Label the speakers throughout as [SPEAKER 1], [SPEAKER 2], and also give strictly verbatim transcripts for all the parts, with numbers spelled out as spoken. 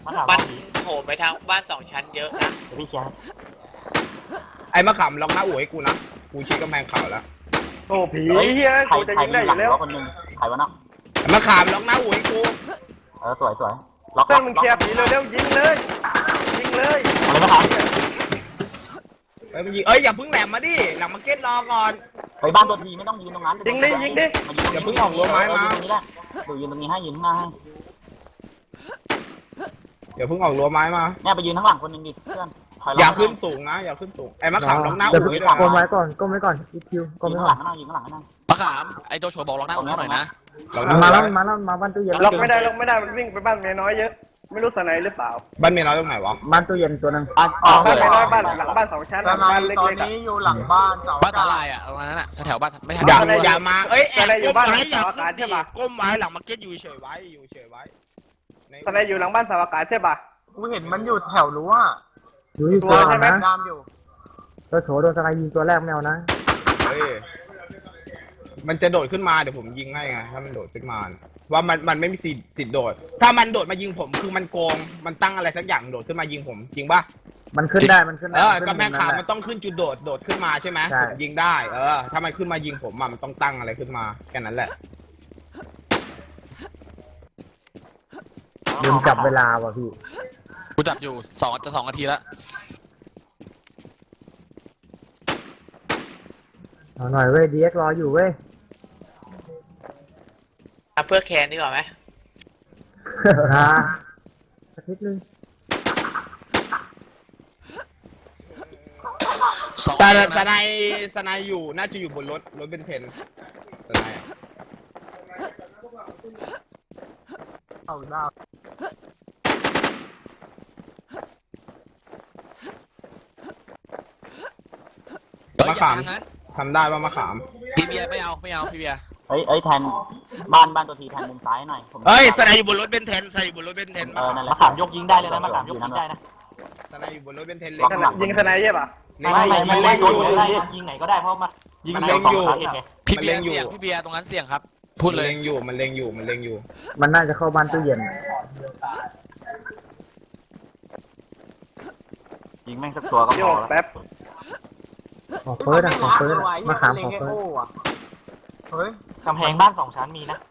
[SPEAKER 1] มันโผล่ไปทางบ้านสองชั้นเยอะนะพี่ชาย
[SPEAKER 2] ไอ้มะขามล็อกหน้าอู่ให้กูนะกูชี้กำแพงเขาแล้ว
[SPEAKER 3] โอ้ผีเฮียกูจะยิงได้อยู่แล้ว
[SPEAKER 4] คนนึงใครวะเนาะ
[SPEAKER 2] มะขามล็อกหน้าอู่ให้กู
[SPEAKER 4] เออสวยสวยล็อก
[SPEAKER 3] เต้นมึงเคลียร์ผีเร็วๆยิงเลยยิงเลย
[SPEAKER 4] อะไรนะครับ
[SPEAKER 2] เอ้ยมันยิงเอ้ยอย่าเพิ่งแหลมมาดิหลังมาเก็ตรอก่อน
[SPEAKER 4] ไปบ้านตัวทีไม่ต้องยืนตรงนั้น
[SPEAKER 3] ยิงดิยิงดิ
[SPEAKER 2] อย่าเพิ่งออกรั้วไม้มา
[SPEAKER 4] ดูยืนตรงนี้ให้ยืนข้างหน้าให้
[SPEAKER 2] อย่าเพิ่งออกรั้วไม้มา
[SPEAKER 4] เนี่ยไปยืนข้างหลังคนนึงดิเพื่อน
[SPEAKER 2] อย่าขึ้นสูงนะอย่าขึ้นสูงไอ้มะขามล็อกหน้า
[SPEAKER 5] เดี๋ยว
[SPEAKER 2] อู่ให้ด้วย
[SPEAKER 5] ก้มไว้
[SPEAKER 2] นะ
[SPEAKER 5] ก่อนก้มไว้ก่อนอีคิวก้ม
[SPEAKER 4] ยืน
[SPEAKER 5] ไว้
[SPEAKER 4] ข้างห
[SPEAKER 5] ก่
[SPEAKER 4] ลั
[SPEAKER 5] อน
[SPEAKER 4] งยืนข้างหลังนั่ง
[SPEAKER 6] มะขามไอโจโฉบอกล็อกหน้าอู่หน่อยนะ
[SPEAKER 2] ล็อกหน้า
[SPEAKER 5] มา
[SPEAKER 2] อู่
[SPEAKER 5] แล้ว
[SPEAKER 2] ไว้
[SPEAKER 5] มาแล้วมาบ้านตู้เย็น
[SPEAKER 3] ล็อกไม่ได้ล็อกไม่ได้มันวิ่งไปบ้านเมียน้อยเยอะไม่รู้สไนหรือเปล่า
[SPEAKER 2] บ้านเมียน้อยตรงไหนวะ
[SPEAKER 5] บ้านตู้เย็นตัวนึง
[SPEAKER 4] อ๋อ
[SPEAKER 3] บ้านเมียน้อยบ้านหลังบ้านสองชั้นบ้านเล็กๆ
[SPEAKER 4] ตอนนี้อยู่หลังบ้านเสา
[SPEAKER 6] บ้านตาลายอ่ะประมาณนั้นอ่ะแถวๆบ้านไม่ใช่
[SPEAKER 2] อย่า
[SPEAKER 3] อะไร
[SPEAKER 2] อย่ามาเอ้ยแอบ
[SPEAKER 3] อะไรอยู่บ้าน
[SPEAKER 2] ก้มไว้อย่า
[SPEAKER 3] สาวอากาศใช่ปะ
[SPEAKER 2] ก้มไว้หลังมาเก็ตอยู่เฉยไว้อยู่เฉยไว้ใน
[SPEAKER 3] สไนอยู่หลังบ้านสาวอากาศใช่ปะ
[SPEAKER 4] กูเห็นมันอยู่แถวรั้ว
[SPEAKER 5] ดูที่ตัว
[SPEAKER 3] ใช่ไหม
[SPEAKER 5] นะ
[SPEAKER 4] ตามอยู่
[SPEAKER 5] ตัวโฉโดนสไลด์ยิงตัวแรกแมวนะ
[SPEAKER 2] เฮ้ยมันจะโดดขึ้นมาเดี๋ยวผมยิงให้ไงถ้ามันโดดขึ้นมาว่ามันมันไม่มีสิทธิ์สิทธิ์โดด ถ้ามันโดดมายิงผมคือมันโกงมันตั้งอะไรสักอย่างโดดขึ้นมายิงผมจริงปะ
[SPEAKER 5] มันขึ้นได้มันขึ้นได้
[SPEAKER 2] เออ
[SPEAKER 5] ขึ้น
[SPEAKER 2] กำแพง
[SPEAKER 5] ตร
[SPEAKER 2] ขาว
[SPEAKER 5] นั้น
[SPEAKER 2] มันต้องขึ้นจุดโดดโดดขึ้นมาใช่ไหม
[SPEAKER 5] ใช่
[SPEAKER 2] ผมยิงได้ เออ ถ้ามันขึ้นมายิงผมอะมันต้องตั้งอะไรขึ้นมาแค่นั้นแหละ
[SPEAKER 5] ลืมจับเวลาว่ะพี่
[SPEAKER 6] กูจับอยู่สองจะสองนาทีแล้ว
[SPEAKER 5] เอาหน่อยเว้ยดีเอ็กรออยู่เว้ย
[SPEAKER 1] เพื่อแคนดีกว่าไหม
[SPEAKER 5] ฮะสักนิดนึง
[SPEAKER 6] สอง
[SPEAKER 2] แต่
[SPEAKER 6] นาที
[SPEAKER 2] ส
[SPEAKER 6] นะ
[SPEAKER 2] ไนสไนอยู่น่าจะอยู่บนรถรถเป็นเทนสไนอะ
[SPEAKER 4] เอาดาว
[SPEAKER 6] เฮ้ย
[SPEAKER 2] มะ
[SPEAKER 6] อย่า
[SPEAKER 2] ขาม
[SPEAKER 6] ทางนั้น
[SPEAKER 2] ทำได้ว่ามะขาม
[SPEAKER 6] พี่เบียร์ไม่เอาไม่เอาพี่เบียร์
[SPEAKER 4] เฮ้ยเอ้ยแทนบ้านบ้านตัวทีแทนมุมซ้ายหน่อย
[SPEAKER 2] เฮ้ยสไนอยู่บนรถเป็นเทนสไนอยู่บนรถเป็นเทน
[SPEAKER 4] เออนั่นแหละมะขามยกยิงได้เลยนะมะขามยกยิงได้นะ
[SPEAKER 2] สไนอยู่บนรถเป็นเทนเล็
[SPEAKER 3] ยิงสไนใช่ปะ
[SPEAKER 4] ไม่ไม่ไม่เล่นอยู่ได้ยิงไหนก็ได้เพราะมันยิงเล็งอยู่
[SPEAKER 6] พี่เบียร์เสี่ยงพี่เบียร์ตรงนั้นเสี่ยงครับ พูดเลย
[SPEAKER 2] มันเล็งอยู่มันเล็งอยู่มันเล็งอยู่
[SPEAKER 5] มันน่าจะเข้าบ้านตู้เย็น
[SPEAKER 4] ยิงแม่งสักตัวก็
[SPEAKER 3] โย
[SPEAKER 4] พอก แล้ว
[SPEAKER 3] แป๊บ
[SPEAKER 5] ขอเฟิร์สอะขอเฟิร์สอะมาขามขอเฟิร์ส
[SPEAKER 4] เฮ้ยกำแพงบ้านสองชั้นมีนะ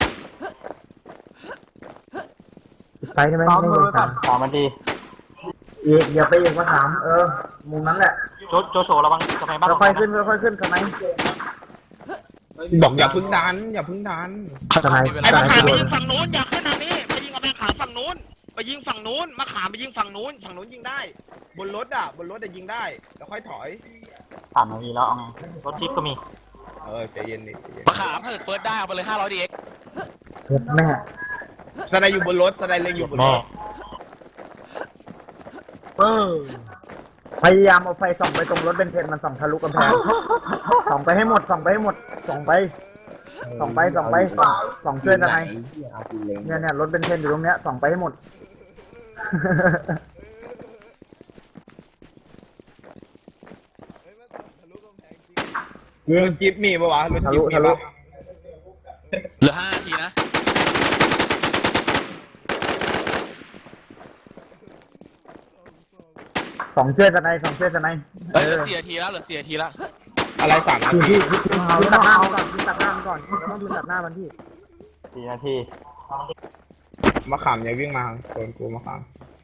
[SPEAKER 5] ปิดไฟได้ไหมไม่เลยครับ
[SPEAKER 4] สามนาที
[SPEAKER 5] อีกอย่าไปอีกมาขามเออมุมนั้นแหละ
[SPEAKER 4] โจโจโฉระวังกำแพงบ้านสอง
[SPEAKER 5] ค่อย
[SPEAKER 4] ชั้น
[SPEAKER 5] ๆขึ้นค่อยๆขึ้นทำไม
[SPEAKER 2] บอกอย่าพึ่งดันอย่าพึ่งดัน
[SPEAKER 5] ทำไม
[SPEAKER 6] มีเว
[SPEAKER 2] ไอ้
[SPEAKER 6] ลา
[SPEAKER 2] มะขามไปยิงฝั่งนู้นอย่าขึ้นทางนี้ไปยิงกำแพงขาวฝั่งนู้นไปยิงฝั่งนู้นมะขามไปยิงฝั่งนู้นฝั่งนู้นยิงได้ บนรถอ่ะบนรถจะยิงได้แล้วค่อยถอย
[SPEAKER 4] สามนาทีแล้วเอาไงรถจิ๊บก็มี
[SPEAKER 2] เออใจเย็นดิใจเย็น
[SPEAKER 6] มะขามถ้าเกิดเฟิร์สได้เอาไปเลยห้าร้อยดีเอ็ก
[SPEAKER 5] เผ็ดแม่
[SPEAKER 2] สไนอยู่บนรถสไนเล็งอยู่บนร
[SPEAKER 4] แม่
[SPEAKER 2] ถ
[SPEAKER 5] เออพยายามเอาไฟส่องไปตรงรถเบนเทนมันส่องทะลุกำแพงส่องไปให้หมดส่องไปให้หมดส่องไปส่องไปส่องไปส่องส่องช่วยอะไรเนี่ยเนี่ยรถเบนเทนอยู่ตรงเนี้ยส่องไปให้หมด ยิง
[SPEAKER 2] รถจิ๊บมีปะวะรถ
[SPEAKER 5] ทะ
[SPEAKER 2] จิ๊
[SPEAKER 5] ลุ
[SPEAKER 2] บมี
[SPEAKER 5] ทะลุ
[SPEAKER 2] ปะ
[SPEAKER 6] เหลือห้านาทีนะ
[SPEAKER 5] สองเชือกสไนสองเชือกสไน
[SPEAKER 6] เอ้ยเหลือสี่นาทีแล้วเหลือสี่นาทีแล้ว
[SPEAKER 2] อะไรสามนา
[SPEAKER 5] พี่
[SPEAKER 2] ที
[SPEAKER 5] พี่พี่พี่ตัดหน้ามันก่อนพี่ตัดหน้ามันก่อนต้องพี่ตัดหน้ามันพี่
[SPEAKER 4] สี่นาที
[SPEAKER 2] มะขามอย่าวิ่งมาโดนกูมะขาม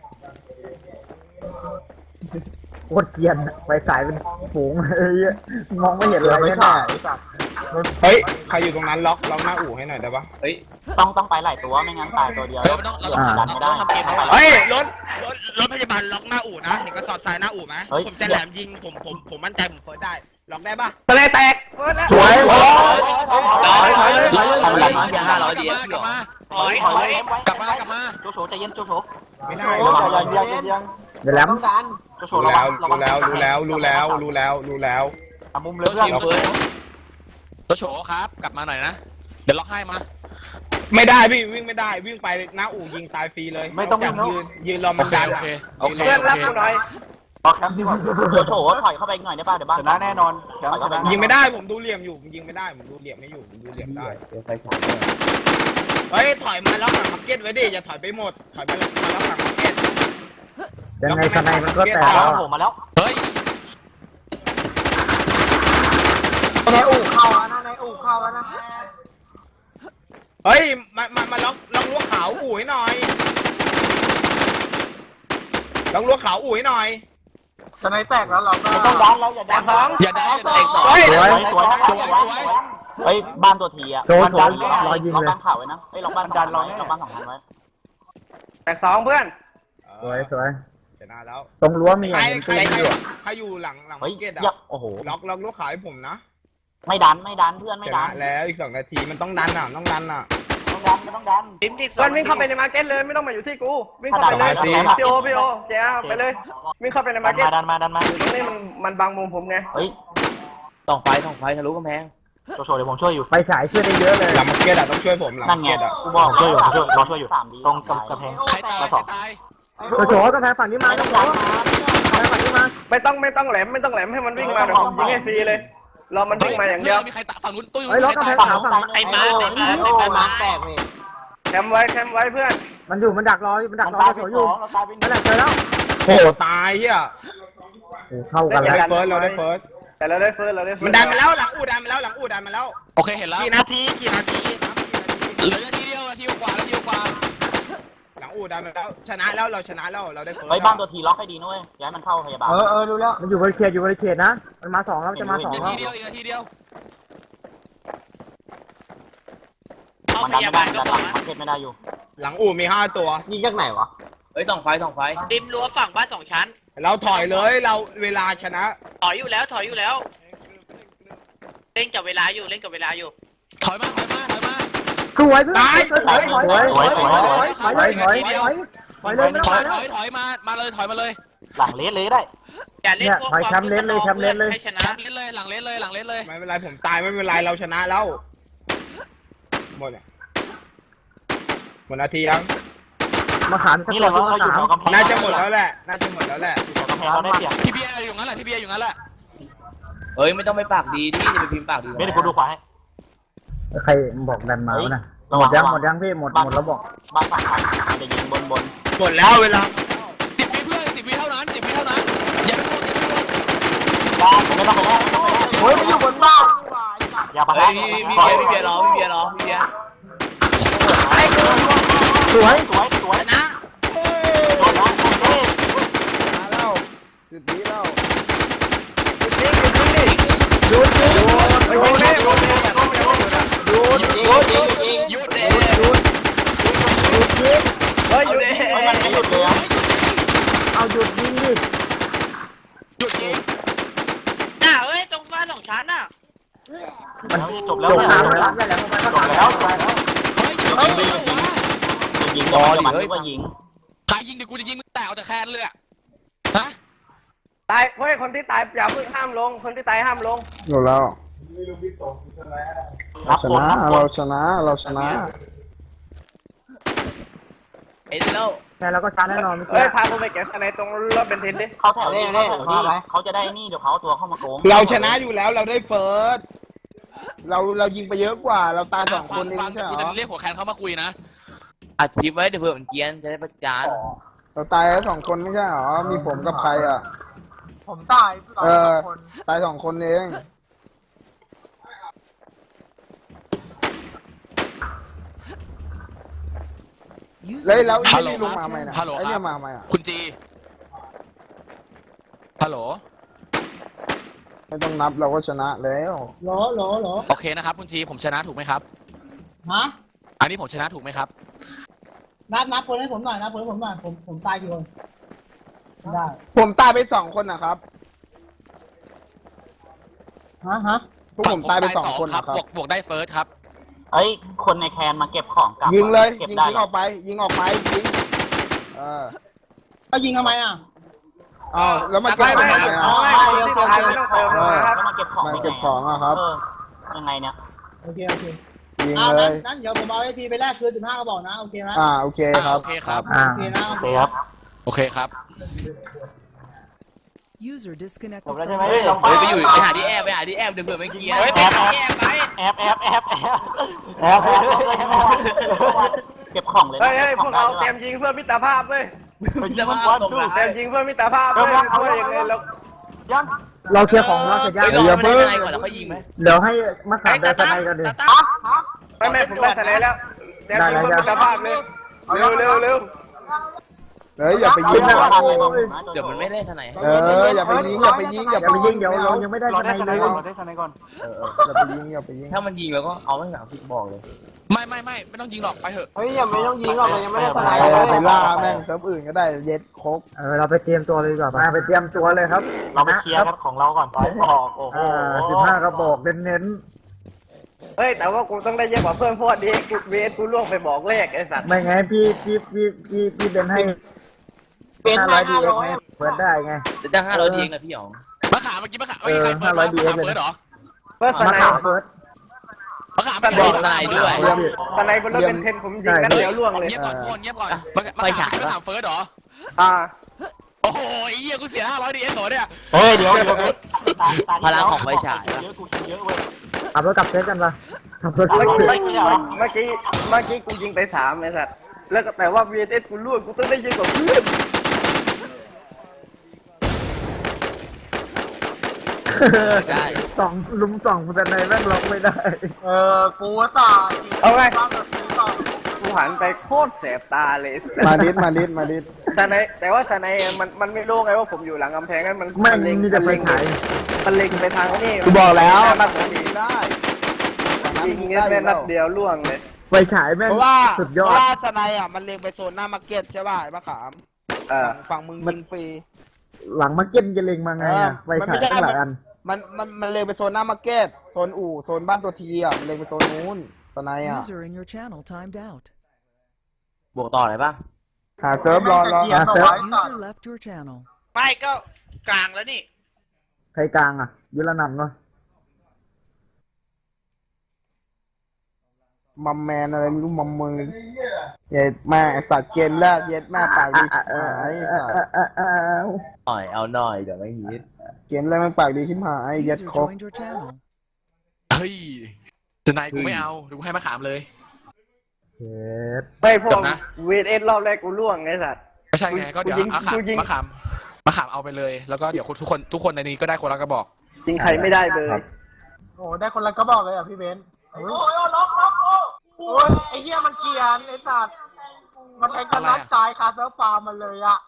[SPEAKER 5] โคตรเกรียนอะไฟสายเป็นฝูงเอ้ยมองไม่เห็นอะไรแน่
[SPEAKER 2] เฮ้ยใครอยู่ตรงนั้นล็อกล็อกหน้าอู่ให้หน่อยได้ปะเฮ้ย
[SPEAKER 4] ต้องต้องไปหลายตัวไม่งั้นตายตัวเดียว
[SPEAKER 6] เฮ้ยมันต้องเราต้อง
[SPEAKER 4] ดันไม่ได้
[SPEAKER 6] เราต้องทำเกมให้
[SPEAKER 2] เฮ้ยรถรถรถพยาบาลล็อกหน้าอู่นะเห็นกระสอบทรายหน้าอู่ไหม
[SPEAKER 4] เฮ้ย
[SPEAKER 2] ผมจะแหลมยิงผมผมผมมั่นใจผมเฟิร์สได้ล็อกได้ปะ
[SPEAKER 3] สไนแตก
[SPEAKER 5] สวย
[SPEAKER 6] กลับมาห้าร้อยดีกลับมา
[SPEAKER 1] ถอยถอย
[SPEAKER 6] กลับมากลับมา
[SPEAKER 4] โจโฉใจเย็นโจโฉ
[SPEAKER 2] ไม่ได้
[SPEAKER 4] ระวังระวังระวัง
[SPEAKER 5] เดี๋ยวแหลม
[SPEAKER 4] โจโฉ
[SPEAKER 2] รู้
[SPEAKER 4] ระวั
[SPEAKER 2] แล้
[SPEAKER 4] ง
[SPEAKER 2] ว
[SPEAKER 4] ระวั
[SPEAKER 2] รู้
[SPEAKER 4] ง
[SPEAKER 2] แล้วรู้แล้วรู้แล้วรู้แล้วรู้แล้ว
[SPEAKER 4] อ่ะมุมเล
[SPEAKER 6] ร
[SPEAKER 4] ย
[SPEAKER 6] ถ
[SPEAKER 4] เพื่อน
[SPEAKER 6] ทีมเฟิร์สรถโฉครับ กลับมาหน่อยนะ เดี๋ยวล็อกให้มา
[SPEAKER 2] ไม่ได้พี่วิ่งไม่ได้วิ่งไปหน้าอู่ยิงตายฟรีเลย
[SPEAKER 4] ไม่ต้องวิ่
[SPEAKER 2] จาง ก
[SPEAKER 4] เนอะ
[SPEAKER 2] ยืนยืนรอ
[SPEAKER 6] โอ
[SPEAKER 2] มัน
[SPEAKER 6] เค
[SPEAKER 2] ดัน
[SPEAKER 6] โอ
[SPEAKER 2] อะ
[SPEAKER 6] เคโอเค
[SPEAKER 3] เพื่อน
[SPEAKER 6] โอ
[SPEAKER 3] รับ
[SPEAKER 6] เค
[SPEAKER 3] กูหน่อย
[SPEAKER 4] ออกแคมป์ดีกว่าโจโฉถอยเข้าไปอีกหน่อยได้ป่ะเดี๋ยวบ้านชนะแน่นอนถอยเข้าไป
[SPEAKER 2] ยิงไม่ได้ผมดูเหลี่ยมอยู่ผมยิงไม่ได้ผมดูเหลี่ยมไม่อยู่ผมดูเหลี่ยมได้เฮ้ยถอยมาล็อกหลังมาร์เก็ตไว้ดิอย่าถอยไปหมดถอยมามาล็อกหลังมาร์เก็ต
[SPEAKER 5] ยังไงสไนมันก็แตก
[SPEAKER 4] แล้
[SPEAKER 5] แล้ว ว
[SPEAKER 4] ผมมาแล้ว
[SPEAKER 6] เฮ้ย
[SPEAKER 5] ในอู่เข้าแล้วนะในอู่เข้าแล้วนะ
[SPEAKER 2] เฮ้ยมามามาล็อกล็อกรั้วขาวอู่ให้หน่อยล็อกรั้วขาวอู่ให้หน่อย
[SPEAKER 5] สไนแตกแล้วเราก็
[SPEAKER 4] ต้องดันเราอย่าดันสอง
[SPEAKER 6] อย่าได้อย่าได้สอง
[SPEAKER 2] เฮ้ย
[SPEAKER 4] สวยสวย
[SPEAKER 6] สวยสวย
[SPEAKER 4] เฮ้ยบ้านตัวทีอ่ะบ้านดันรอยิงเลยล็อกบ้านข่าวไว้นะเฮ้ยล็อกบ้านดันรอล็อกบ้านสองพันไว้
[SPEAKER 3] แตกสองเพื่อน
[SPEAKER 5] สวยสวย
[SPEAKER 2] ชนะแล้ว
[SPEAKER 5] ตรงรั้วมีอ
[SPEAKER 2] ใคร
[SPEAKER 5] ย่างหนึ่ง
[SPEAKER 2] ใคร
[SPEAKER 5] ตีน
[SPEAKER 2] ใคร
[SPEAKER 5] อยู่
[SPEAKER 2] ใครอยู่หลังหลัง
[SPEAKER 4] เฮ้ย
[SPEAKER 2] มาร์เก็ต
[SPEAKER 4] เย
[SPEAKER 2] อะ
[SPEAKER 4] อะโอ้โห
[SPEAKER 2] ล็อกล็อกรั้วขาวให้ผมนะ
[SPEAKER 4] ไม่ดันไม่ดันเพื่อน
[SPEAKER 2] ช
[SPEAKER 4] ไม่ดั
[SPEAKER 2] นะ
[SPEAKER 4] น
[SPEAKER 2] แล้วอีกสองนาทีมันต้องดันอ่ะต้องดันอ่ะ
[SPEAKER 4] ต้องดันไม่ต้องดัน
[SPEAKER 1] ดิมดิ
[SPEAKER 3] เพื่อนวิ่งเข้าไปในมาร์เก็ตเลยไม่ต้องมาอยู่ที่กูวิ่งเข้าไปเลย
[SPEAKER 2] สบายสิ
[SPEAKER 3] พี่โอพี่โอเจ้าไปเลยวิ่งเข้าไปในมาร์เก็ต
[SPEAKER 4] ดันมาดันมา
[SPEAKER 3] ตรงนี้มันมันบังมุมผมไง
[SPEAKER 4] เฮ้ย
[SPEAKER 1] ส่องไฟส่องไฟทะลุกำแพง
[SPEAKER 4] โชว์โชว์เดี๋ยวผมช่วยอยู่
[SPEAKER 5] ไฟฉายช่วยได้เยอะเลย
[SPEAKER 2] หลังมาร์เก็ตอะต้องช่วยผมหลัง
[SPEAKER 4] นั่
[SPEAKER 2] มาน ร์
[SPEAKER 4] ไง
[SPEAKER 2] เก็ตอะ
[SPEAKER 4] กูบอกช่วยอยู่ช่วยรอช่วยอยู่ตรงกระแพง
[SPEAKER 6] ใครตายใครตาย
[SPEAKER 5] โอ้โหกระแพงฝั่งนี้มาต้องโหกระแพงฝั่งนี้มา
[SPEAKER 3] ไม่ต้องไม่ต้องแหลมไม่ต้องแหลมให้มันวิ่งมาเดี๋ยวผมยิงให้ฟรีเลยรอมันวิ่งมาอย่างเดียว
[SPEAKER 6] มีใครตายฝั่งนู้นตู้อยู่
[SPEAKER 5] เฮ้ยล็อกกระแพงขาวฝั่ง
[SPEAKER 1] ไอ้มาไอ้มาไอ้มาแตกเลย
[SPEAKER 3] แคมไว้แคมไว้เพื่อน
[SPEAKER 5] มันอยู่มันดักรอมันดักรอ
[SPEAKER 4] ตาย
[SPEAKER 5] โถ
[SPEAKER 4] ไป
[SPEAKER 5] อ
[SPEAKER 4] ส
[SPEAKER 5] ยู่
[SPEAKER 4] องเราตายไปห
[SPEAKER 5] นั่นแห
[SPEAKER 4] นึ่
[SPEAKER 5] ละเจอแล้ว
[SPEAKER 2] โอ้โหตายเฮีย
[SPEAKER 5] โอ้เข้ากัน
[SPEAKER 2] เรา
[SPEAKER 5] แล้ว
[SPEAKER 2] ได้เฟิร์สเราได้เฟิร์ส
[SPEAKER 3] แต่เราได้เฟิร์สเราได้เฟิ
[SPEAKER 2] มั
[SPEAKER 3] ร์
[SPEAKER 2] น
[SPEAKER 3] ส
[SPEAKER 2] ดันมาแล้วหลังอู่ดันมาแล้วหลังอู่ดันมาแล้ว
[SPEAKER 6] โอเคเห็นแล้ว
[SPEAKER 2] กี่นาทีกี่นาทีครับกี่นาที
[SPEAKER 6] เหลือนาทีเดียวนาทีกว่านาทีกว่า
[SPEAKER 2] หลังอู่ดันมาแล้วชนะแล้วเราชนะแล้วเราได้เฟิร์ส
[SPEAKER 4] เฮ้ยบ้านตัวทีล็อกให้ดีนะเว้ยย้ายมันเข้าพยาบาล
[SPEAKER 5] เออเออรู้แล้วมันอยู่บริเขตอยู่บริเขตนะมันมาสองแล้วมันจะมาสอง
[SPEAKER 6] นา
[SPEAKER 5] แล้ว
[SPEAKER 6] ทีเดียวอีกนาทีเดียว
[SPEAKER 1] เข้า
[SPEAKER 4] มัน
[SPEAKER 1] พ
[SPEAKER 4] ดัน
[SPEAKER 1] ยา
[SPEAKER 4] ไม่
[SPEAKER 1] บา
[SPEAKER 4] ได้
[SPEAKER 1] ลก็
[SPEAKER 4] ดัน
[SPEAKER 1] บ
[SPEAKER 4] ห
[SPEAKER 1] อ
[SPEAKER 4] ลั
[SPEAKER 1] ก
[SPEAKER 4] ง
[SPEAKER 1] นะ
[SPEAKER 4] มาร์เก็ตไม่ได้อยู่
[SPEAKER 2] หลังอู่มีห้าตัว
[SPEAKER 4] ยิงจากไหนวะ
[SPEAKER 1] เฮ้ยส่องไฟส่องไฟดิมรั้วฝั่งบ้านสองชั้น
[SPEAKER 2] เราถอยเลยเราเวลาชนะ
[SPEAKER 1] ถอยอยู่แล้วถอยอยู่แล้ว เล่นกับเวลาอยู่เล่นกับเวลาอยู่
[SPEAKER 6] ถอยมาถอยมาถอยมา
[SPEAKER 5] สวยเพื่อนถอยถอยถอยถอยถอยถอยถอยถอยถอยถอยเลยไม่
[SPEAKER 6] ถ
[SPEAKER 5] ต้อ
[SPEAKER 6] อง ย
[SPEAKER 5] มา
[SPEAKER 6] ถ
[SPEAKER 5] แล้ว
[SPEAKER 6] อยถอยมามาเลยถอยมาเลย
[SPEAKER 4] หลังเลสเลยได้
[SPEAKER 1] อย่าเล่นพวกความคึกขนองเพื่อนให้ชนะ
[SPEAKER 6] แคมป์เล่นเลยหลังเล่นเลยหลังเล่นเลย
[SPEAKER 2] ไม่เป็นไรผมตายไม่เป็นไรเราชนะแล้วหมดเนี่ยหมดนาทียัง
[SPEAKER 5] มาขามสัก
[SPEAKER 4] นี่
[SPEAKER 5] ตั
[SPEAKER 4] เรา
[SPEAKER 5] ว
[SPEAKER 4] เราอยู่
[SPEAKER 5] มา
[SPEAKER 4] แถ
[SPEAKER 5] ขาว ม
[SPEAKER 4] กำแพง
[SPEAKER 2] น่าจะหมดแล้วแหละน่าจะหมดแล้วแหละ
[SPEAKER 4] แถวกำแพงเราได้เปรียบ
[SPEAKER 6] พี่เบียร์อยู่งั้นแหละพี่เบียร์อยู่งั้นแหละ
[SPEAKER 1] เอ้ยไม่ต้องไปปากดีที่จะไปพิมพ์ปากดี
[SPEAKER 4] ไม่ได้กูดูขวาให้
[SPEAKER 5] ใครบอกดันมาวะน่ะหมดยังหมดยังพี่หมดหมดแล้วบอก
[SPEAKER 4] บ้านฝั่งไทยจะยิงบนบน
[SPEAKER 2] หมดแล้วเวลา
[SPEAKER 6] สิบวิเพื่อนสิบวิเท่านั้นสิบวิเท่านั้นอย่าไปพูดอย่าไปพูด
[SPEAKER 4] บ้านไม่ต้องไปแล้วไม่ต้องไปแล้ว
[SPEAKER 5] โอ้ยมันอยู่บนบ้าน
[SPEAKER 4] อย่าไป
[SPEAKER 1] เฮ้
[SPEAKER 4] แล้
[SPEAKER 1] ยว พี่เบียร์พี่เบียร์รอพี่เบียร์รอพี่เบียร์
[SPEAKER 5] สวย
[SPEAKER 4] สวยสวย
[SPEAKER 1] นะ
[SPEAKER 4] โดนนะโดนเต้
[SPEAKER 2] มาแล้วจุดนี้แล้ว
[SPEAKER 5] หยุดยิง
[SPEAKER 2] ไปยิงเลย
[SPEAKER 6] หยุดหยุด
[SPEAKER 4] ยิงยิงยิง
[SPEAKER 6] หยุดเด
[SPEAKER 5] หยุดหยุดยิง
[SPEAKER 3] เฮ้ยหยุด
[SPEAKER 4] มันไม่หยุดเลยอ่ะ
[SPEAKER 5] เอาหยุดยิงดิ
[SPEAKER 6] หยุดยิง
[SPEAKER 1] น่ะเอ้ยตรงบ้านสองชั้นน่ะ
[SPEAKER 5] มัน
[SPEAKER 4] จบแล้ว
[SPEAKER 5] จบ
[SPEAKER 4] เนี่ย
[SPEAKER 5] ทางแล้วนี่แหละมันก็
[SPEAKER 4] จบ
[SPEAKER 5] ทาง
[SPEAKER 4] แล้ว
[SPEAKER 6] เฮ้ยหยุดยิงเลยเหรอวะ
[SPEAKER 4] ยิงก็มันมันว่ายิง
[SPEAKER 6] ใครยิงเดี๋ยวกูจะยิงมึงแตกเอาแต่แคนเลยอะฮะ
[SPEAKER 3] ตายเฮ้ยคนที่ตายอย่าเพิ่งห้ามลงคนที่ตายห้ามลง
[SPEAKER 2] หมดแล้ว
[SPEAKER 4] รับคนรับคน
[SPEAKER 2] เราชนะเราชนะ
[SPEAKER 1] เอ็นแล้ว
[SPEAKER 5] แค่เราก็ชาร์จแน่นอนเมื่อ
[SPEAKER 3] เฮ้
[SPEAKER 5] กี้
[SPEAKER 3] ยพาผมไปเก็บคะแนนตรงรถเบนซินดิ
[SPEAKER 4] เขาแถวนี้เขาแถวนี้เขาจะได้นี่เดี๋ยวเขาตัวเข้ามาโกง
[SPEAKER 2] เราชนะอยู่แล้วเราได้เฟิร์สเราเรายิงไปเยอะกว่า เราตายสองคนเอง
[SPEAKER 6] ฟัง
[SPEAKER 2] ใช่
[SPEAKER 6] กู
[SPEAKER 2] เหร
[SPEAKER 6] จะ
[SPEAKER 2] อ
[SPEAKER 6] เรียกหัวแคนเข้ามาคุยนะ
[SPEAKER 1] อัดคลิปไว้เดี๋ยวเผื่อมันเกรียนจะได้ประจาน
[SPEAKER 2] เราตายแค่สองคนไม่ใช่เหรอมีผมกับใครอ่ะ
[SPEAKER 5] ผมตาย
[SPEAKER 2] เออตายสองคนเองแล้วแล้ว
[SPEAKER 6] ฮั
[SPEAKER 2] ไอ้
[SPEAKER 6] ลโหล
[SPEAKER 2] นี่ลงมาไหมนะ
[SPEAKER 6] ฮัลโหล
[SPEAKER 2] ไอ้
[SPEAKER 6] ค
[SPEAKER 2] เนี่
[SPEAKER 6] รั
[SPEAKER 2] ย
[SPEAKER 6] บ
[SPEAKER 2] มาไหมอ่ะ
[SPEAKER 6] คุณจี ฮัลโหล
[SPEAKER 2] ไม่ต้องนับเราก็ชนะแล้ว
[SPEAKER 7] หรอหรอหรอ
[SPEAKER 6] โอเคนะครับคุณจีผมชนะถูกไหมครับ
[SPEAKER 7] ฮะ
[SPEAKER 6] อันนี้ผมชนะถูกไหมครับ
[SPEAKER 7] นับนับคนให้ผมหน่อยนับคนให้ผมหน่อยผมผมตายกี่คนไม่ได้
[SPEAKER 2] ผมตายไปสองคนนะครับ
[SPEAKER 7] ฮะฮะ
[SPEAKER 2] พวกผมตายไปสองคน
[SPEAKER 6] ครับ
[SPEAKER 2] นะครับ
[SPEAKER 6] บวกบวกได้เฟิร์สครับ
[SPEAKER 4] เอ้ยคนในแคนมาเก็บของกลับ
[SPEAKER 2] ยิงเลย
[SPEAKER 4] เก็บ
[SPEAKER 2] ยิง
[SPEAKER 4] ได้
[SPEAKER 2] ยิงออกไป ยิงออกไปยิงเออ
[SPEAKER 7] ก็ยิงทำไมอ่ะ
[SPEAKER 2] อ้าวแล้วมาเก็บ
[SPEAKER 3] ไม่
[SPEAKER 2] ทำ
[SPEAKER 3] ไม่
[SPEAKER 2] ไม
[SPEAKER 3] อ๋อ
[SPEAKER 2] อ่ะ
[SPEAKER 3] คนที่ตายไม่ต้องเติมมาครับ
[SPEAKER 4] แล้วมาเก็บของ
[SPEAKER 2] มาเก็บของอะครับ
[SPEAKER 4] เออยังไงเนี่ย
[SPEAKER 7] โอเคโอเค
[SPEAKER 2] ยิง
[SPEAKER 7] เอา
[SPEAKER 2] เล
[SPEAKER 7] นั้น
[SPEAKER 2] ย
[SPEAKER 7] นั้นเดี๋ยวผมเอาไอพีไปแลกคืนสิบห้ากระบอกนะโอเคไหม
[SPEAKER 2] อ่าโอเคครับ
[SPEAKER 6] โอเคครับ
[SPEAKER 5] อ่า
[SPEAKER 7] โอเคนะ
[SPEAKER 4] โอเคครับ
[SPEAKER 6] โอเคครับ
[SPEAKER 8] User
[SPEAKER 4] จ
[SPEAKER 8] disconnected
[SPEAKER 4] บแล้ว
[SPEAKER 8] from
[SPEAKER 4] ใช่ไหม
[SPEAKER 8] your
[SPEAKER 4] ลง
[SPEAKER 6] เฮ้ยไปอยู่ไปหาที่แอบไปหาที่แอบเดี๋ยวเผื่อไม่เกียร์
[SPEAKER 1] เฮ้ยไปหาแอบไป
[SPEAKER 4] แอบแอบแอบแอบแอบแอบเก็บของเลย
[SPEAKER 3] เฮ้ยเฮ้ยพวกเราเตรียมยิงเพื่อมิตรภาพเว้ย
[SPEAKER 4] จะมาบอลสู้
[SPEAKER 3] เตรียมยิงเพื่อมิตรภาพเว้ยเพื่อยังไงเรา
[SPEAKER 4] ยัง
[SPEAKER 5] เราเคลียร์ของเราเสร็จยัง
[SPEAKER 6] ไปรอ
[SPEAKER 5] เดี๋ยว
[SPEAKER 6] มัน
[SPEAKER 5] เพิ่ง
[SPEAKER 6] ได้อะไรก่อนแล้วค่อยยิงไหม
[SPEAKER 5] เดี๋ยวให้มะขามเดินสไนกันดิ
[SPEAKER 1] ตาตั้ม
[SPEAKER 3] ไม่ไม่ผมได้ทะเลแล้วเตรียมยิงเพื่อมิตรภาพเลยเร็วเร็วเร็ว
[SPEAKER 2] เฮ้ยอย่าไปยิงนะ
[SPEAKER 6] เดี๋ยวมันไม่ได้ทนาย
[SPEAKER 2] เอออย่าไปยิงอย่าไปยิงอย่า
[SPEAKER 5] อย่า
[SPEAKER 2] ไป
[SPEAKER 5] ไป
[SPEAKER 2] ยิ
[SPEAKER 5] ยิ
[SPEAKER 2] ง
[SPEAKER 5] งเดี๋ยวเรายังไม่ได้
[SPEAKER 4] เรา
[SPEAKER 5] ส
[SPEAKER 4] ได้
[SPEAKER 5] ไน
[SPEAKER 4] คะแน
[SPEAKER 5] เล
[SPEAKER 4] น
[SPEAKER 5] ย
[SPEAKER 4] ก่อนเราได้คะแนนก่อน
[SPEAKER 2] อย่าไปยิงอย่าไปยิง
[SPEAKER 6] ถ้ามันยิงแล้วก็เอาไม่หลังพี่บอกเลย
[SPEAKER 9] ไม่ไม่ไม่ไม่ต้องยิงหรอกไปเถอะ
[SPEAKER 4] เฮ้ยยังไม่ต้องยิงหรอกยังไม่ได้คะแนน
[SPEAKER 2] ไปไปล่าแม่งเซิร์ฟอื่นก็ได้เย็ดโคก
[SPEAKER 5] เออเราไปเตรียมตัวเลยดีกว่ามาไปเตรียมตัวเลยครับ
[SPEAKER 4] เราไปเคลียร์กันของเราก่อนต่อยออกโอ้โห
[SPEAKER 5] อ่าสิบห้ากระบอกเน้น
[SPEAKER 3] เฮ้ยแต่ว่ากูต้องได้เยอะกว่าเพื่อนเพราะว่าดีกูเวทกูล่วงไปบอกเลขไอ้สัตว์
[SPEAKER 5] ๆไม่ไงพี่พี่พี่พี่พี่เบนให้ห้าร้อยดีเอ็กไงเปิดได้ไง
[SPEAKER 6] จะจ้างห้าร้อยทีเองนะพี่หยอง
[SPEAKER 9] มะขามเมื่อกี้มะขามเมื่อกี้ใครเปิด
[SPEAKER 5] เออห้าร้อย
[SPEAKER 9] มะขาม
[SPEAKER 5] ดี
[SPEAKER 9] เปิดเหรอ
[SPEAKER 3] เพื่อส
[SPEAKER 5] มะ
[SPEAKER 3] ไน
[SPEAKER 5] ขามเฟิร์ส
[SPEAKER 9] มะขาม
[SPEAKER 1] บ
[SPEAKER 9] ไม่
[SPEAKER 1] อก
[SPEAKER 9] ได้
[SPEAKER 1] ทนายด้วย
[SPEAKER 3] สไนบนรถเป็นเทนผมยิงนัดเดียวล่วงเลย
[SPEAKER 9] เงียบก่อนทุกคนเงียบก่อนมะมะ
[SPEAKER 6] ไป
[SPEAKER 9] ขาม
[SPEAKER 6] ฉาย
[SPEAKER 9] มะขามเฟิร์สเหรอ
[SPEAKER 3] อ่า
[SPEAKER 9] โอ้โหไอ้เหี้ยกูเสียห้าร้อยดีเอสเหรอเนี่ย
[SPEAKER 4] เฮ้ยเดี๋ยวเดี๋ยว
[SPEAKER 6] พลังของไฟฉาย
[SPEAKER 4] เยอะกูคิดเยอะเว้ย
[SPEAKER 5] ขับรถกลับเซตกันปะขับรถ
[SPEAKER 3] เมื่อกี้
[SPEAKER 5] กลับ
[SPEAKER 3] เมื่อกี้เมื่อกี้กูยิงไปสามไอ้สัตว์แล้วก็แต่ว่า วี เอส กูล่วงกูต้องได้เยอะกว่าเพื่อน
[SPEAKER 6] ได้
[SPEAKER 5] สองลุมสองแต่ในแม่งล็อกไม่ได้
[SPEAKER 4] เออกูต่อ
[SPEAKER 3] เอาไงกูหันไปโคตรแสบตาเลย
[SPEAKER 2] มาดิดมาดิดมาดิด
[SPEAKER 3] สไนแต่ว่าสไนมันมันไม่รู้ไงว่าผมอยู่หลังกำแพงนั้นมัน
[SPEAKER 5] แม่ง
[SPEAKER 3] เล็ง
[SPEAKER 5] มีแต่ไฟฉาย
[SPEAKER 3] มันเล็งไปทางนี่
[SPEAKER 2] กูบอกแล้ว
[SPEAKER 3] มันยิง
[SPEAKER 2] ได้
[SPEAKER 3] ยิงเงี้ยแม่นัดเดียวล่วงเลย
[SPEAKER 5] ไฟฉายแม่ง
[SPEAKER 2] เพราะว่า
[SPEAKER 5] สุด
[SPEAKER 2] เพ
[SPEAKER 5] ยอ
[SPEAKER 2] ราะ
[SPEAKER 5] ด
[SPEAKER 2] ว่าสไนอ่ะมันเล็งไปโซนหน้ามาร์เก็ตใช่ป่ะไอ้มะขาม
[SPEAKER 3] เออ
[SPEAKER 2] ฝั่งมึงยิงฟรี
[SPEAKER 5] หลังมาเก็ตจะเล็งมาไงอะไฟ
[SPEAKER 2] มัน
[SPEAKER 5] ฉา
[SPEAKER 2] ไม่
[SPEAKER 5] ย
[SPEAKER 2] ใช่
[SPEAKER 5] ตั้งหลายอัน
[SPEAKER 2] มันมันมันเล็งไปโซนหน้ามาร์เก็ตโซนอู่โซนบ้านตัวทีอ่ะมันเล็งไปโซนนู้นสไนอ่ะ
[SPEAKER 8] User in your channel timed out.
[SPEAKER 6] บวกต่ออะไรป่ะ
[SPEAKER 2] หาเซิร์ฟรอรอ
[SPEAKER 5] อ่ะเซิร์ฟ
[SPEAKER 8] User left your channel.
[SPEAKER 1] ไม่ก็กลางแล้วนี่
[SPEAKER 5] ใครกลางอ่ะยุรนันท์เนาะ
[SPEAKER 2] มัมแมนอะไรไม่รู้มัมมือเย็ดแม่สัตว์เกณฑ์แรกเย็ดแม่ปากดี
[SPEAKER 5] อ่ะ
[SPEAKER 2] ชิบ
[SPEAKER 5] อ่ะ
[SPEAKER 2] หาย
[SPEAKER 5] อ่ะอ่ะอ่ะอ่ะ
[SPEAKER 6] หน่อยเอาหน่อยเดี๋ยวไม่ฮิต
[SPEAKER 2] เกณฑ์แรกมันปากดีชิบหายเย็ด
[SPEAKER 8] User
[SPEAKER 2] ครบ
[SPEAKER 8] joined your channel.
[SPEAKER 9] เฮ้ยทนายกูไม่เอาเดี๋ยวกูให้มะขามเลย
[SPEAKER 5] เจ็ด
[SPEAKER 3] ไม่พว
[SPEAKER 9] จ
[SPEAKER 3] ก
[SPEAKER 9] บนะ
[SPEAKER 3] วี เอส รอบแรกกูล่วงไงสัตว์
[SPEAKER 9] ไม่ใช่ไงก็เดี๋ยว
[SPEAKER 3] กูยิง
[SPEAKER 9] มะขาม
[SPEAKER 3] กูยิง
[SPEAKER 9] มะขามมะขามเอาไปเลย แล้วก็เดี๋ยวทุกคนทุกคนในนี้ก็ได้คนละกระบอก
[SPEAKER 3] ยิงใครไม่ได้เลย
[SPEAKER 4] โอ้ได้คนละก็บอกเลยอ่ะพี่เบนโอ้ยล็อกล็อกโอ้ยไอ้เหี้ยมันเกลียนไอ้สัตว์มันแทงกันน็อกตายคาเซิร์ฟฟาร์มมันเลยอ่ะ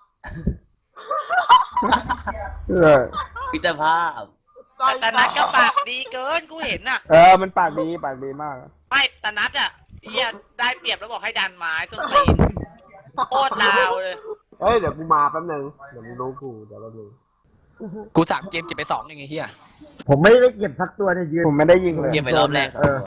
[SPEAKER 2] เออ
[SPEAKER 6] พิจภาพ
[SPEAKER 1] แต่นัดก็ปากดีเกินกูเห็นน่ะ
[SPEAKER 2] เออมันปากดีปากดีมาก
[SPEAKER 1] ไม่แต่นัดอ่ะเฮียได้เปรียบแล้วบอกให้ดันไม้ส้นตีนโคตรลาวเลย
[SPEAKER 2] เฮ้ยเดี๋ยวกูมาแป๊บนึงเดี๋ยวมึงรู้กูเดี๋ยวเราดู
[SPEAKER 9] กูสามเกมเก็บไปสองอย่างเงี้ยเฮีย
[SPEAKER 5] ผมไม่ได้เก็บสักตัวเนี่ยยืน
[SPEAKER 2] ผมไม่ได้ยิงเลย
[SPEAKER 6] เกมไปรอบแรก
[SPEAKER 5] เออ